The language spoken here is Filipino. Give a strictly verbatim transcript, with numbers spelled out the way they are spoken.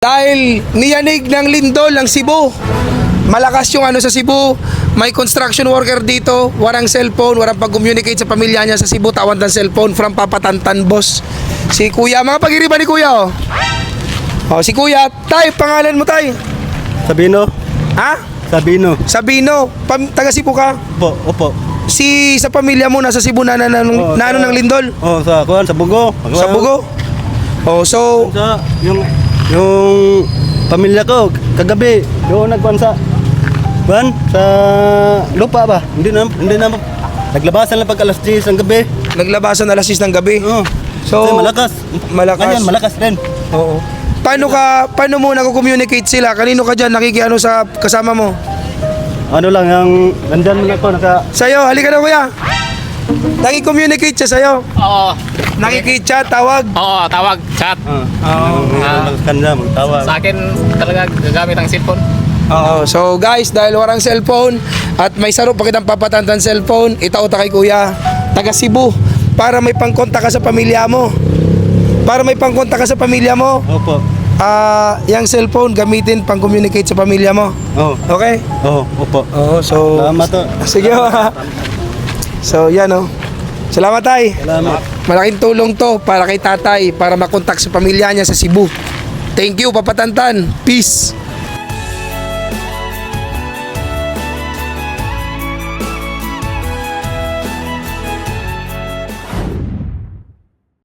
Dahil niyanig ng lindol ang Cebu. Malakas yung ano sa Cebu. May construction worker dito. Walang cellphone. Walang pag-communicate sa pamilya niya sa Cebu. Tawag ng cellphone from Papatantan, boss. Si Kuya. Mga pag-iriba ni Kuya, oh. Oh, si Kuya. Tay, pangalan mo, tay? Sabino? Ha? Sabino. Sabino. Pam taga Cebu ka? Opo, opo. Si sa pamilya mo nasa Cebu na, na, na, Oo, na ano sa- ng lindol? Oh, sa kuan sa Bugo. Sa Bugo? Oh, so Sa yung yung pamilya ko kagabi doon nagkuan sa kuan sa lupa ba? Hindi na hindi na naglabasan lang pag alas diyes ng gabi. naglabasan alas sis ng gabi. Oh. So, Kasi malakas. malakas. Ngayon, malakas din. Oo. Paano ka paano mo nagko-communicate sila? Kanino ka diyan nakikiano sa kasama mo? Ano lang yung nandyan mo na ko naka Sa'yo, halika na kuya. Naki-communicate siya sa'yo. Oo. Nakikichat, tawag. Oo, tawag, chat. ah, Oo. uh, kanila magtawag. Sa akin talaga gagamit ang cellphone. Oo. So guys, dahil walang cellphone at may saro pa kitang papatantan cellphone, itauta kay kuya, taga Cebu, para may pangkontak ka sa pamilya mo. Para may pangkontak ka sa pamilya mo, Opo. ah, yung cellphone gamitin pang communicate sa pamilya mo. Oh. Okay? Oh, opo. Oo, so Salamat to. sige. So yan oh. Salamat tay. Salamat. Malaking tulong to para kay tatay para makontak sa pamilya niya sa Cebu. Thank you, Papatantan. Peace.